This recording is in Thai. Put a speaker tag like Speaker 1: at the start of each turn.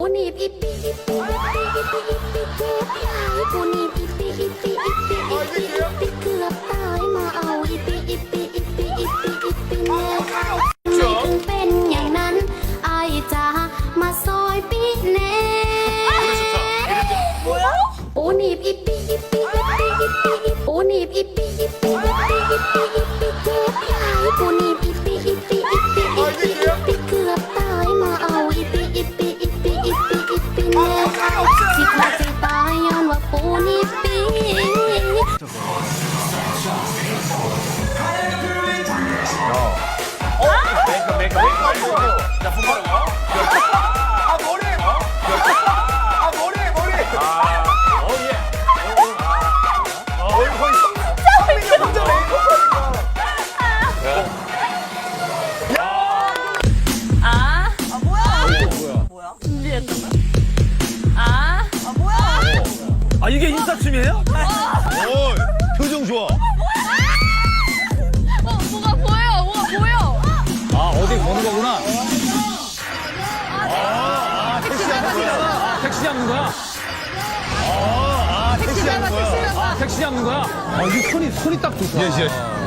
Speaker 1: หนีบอีปีอีปีอีปีอีปีอีปีเจ็บหายปูหนีบอีปีอีปีอีปีอีปีอีปีเกือบตายมาเอาอีปีอีปีอีปีอีปีอีปีแม่ไม่ถึงเป็นอย่างนั้นไอ้จ๋ามาซอยปีแน่ปูหนีบอีปีอีปีอีปีอีปีอีปูหนีบอีปีอีปีอีปีอีปีอีปีเจ็บหายปูหนีบอีปีอีปีอีปีอีปีอีปีเกือบตายมาเอาอีปีอีปีอีปีอีปีอีปีแน่สิขาดสิตายย้อนว่าปูหนีบปี
Speaker 2: 자, 분발한 거. 아, 머리! 아, 머리! 어, 예. 이거 거의 성민이 혼자 메이크업하니까. 아, 이게 인사춤이에요? 표정 좋아.
Speaker 3: 뭐가 보여?
Speaker 2: 아, 어디 보는 거구나. 택시 잡는 거야? 택시 잡는 거야? 아, 택시 잡는 거야? 아, 이게 손이 딱 좋다. 예.